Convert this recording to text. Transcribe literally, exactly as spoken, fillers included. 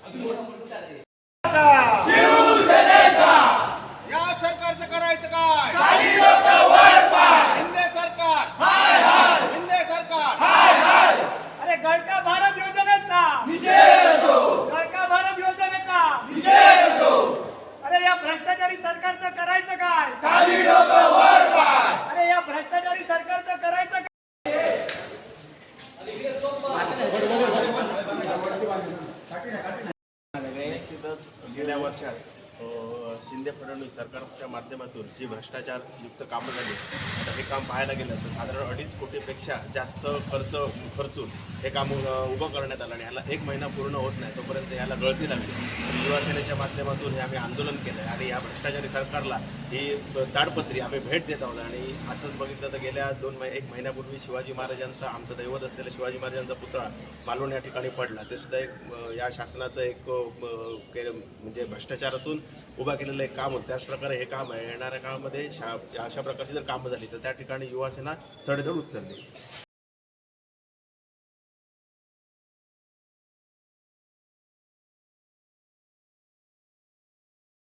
शिवसेनेचा या सरकारचं करायचं काय? खाली डोकं वर पाय. शिंदे सरकार, हाय हाय शिंदे सरकार. हाय हाय अरे गळका भारत योजनेचा विजय असो गळका भारत योजनेचा विजय असो अरे या भ्रष्टाचारी सरकारचं करायचं काय? खाली डोकं वर पाय. अरे या भ्रष्टाचारी सरकारचं करायचं काय? निश्चितच गेल्या वर्षात अ, शिंदे फडणवीस सरकारच्या माध्यमातून जी भ्रष्टाचार युक्त कामं झाली, आता हे काम पाहायला गेलं तर साधारण अडीच कोटीपेक्षा जास्त खर्च खर्चून हे काम अ, उभं करण्यात आलं आणि ह्याला एक महिना पूर्ण होत नाही तोपर्यंत ह्याला गळती लागली. तर युवा सेनेच्या माध्यमातून हे आम्ही आंदोलन केलं आहे आणि या भ्रष्टाचारी सरकारला ही ताडपत्री आम्ही भेट देत आहोत. आणि आताच बघितलं तर गेल्या दोन महि एक महिन्यापूर्वी शिवाजी महाराजांचा आमचं दैवत असलेलं शिवाजी महाराजांचा पुतळा मालवण या ठिकाणी पडला. ते सुद्धा एक अ, या शासनाचं एक अ, के- म्हणजे भ्रष्टाचारातून उभा केलेलं एक काम होतं. त्याचप्रकारे हे काम आहे. येणाऱ्या काळामध्ये शा अशा प्रकारची जर कामं झाली तर त्या ठिकाणी युवा सेना सडेतोड उत्तर देईल.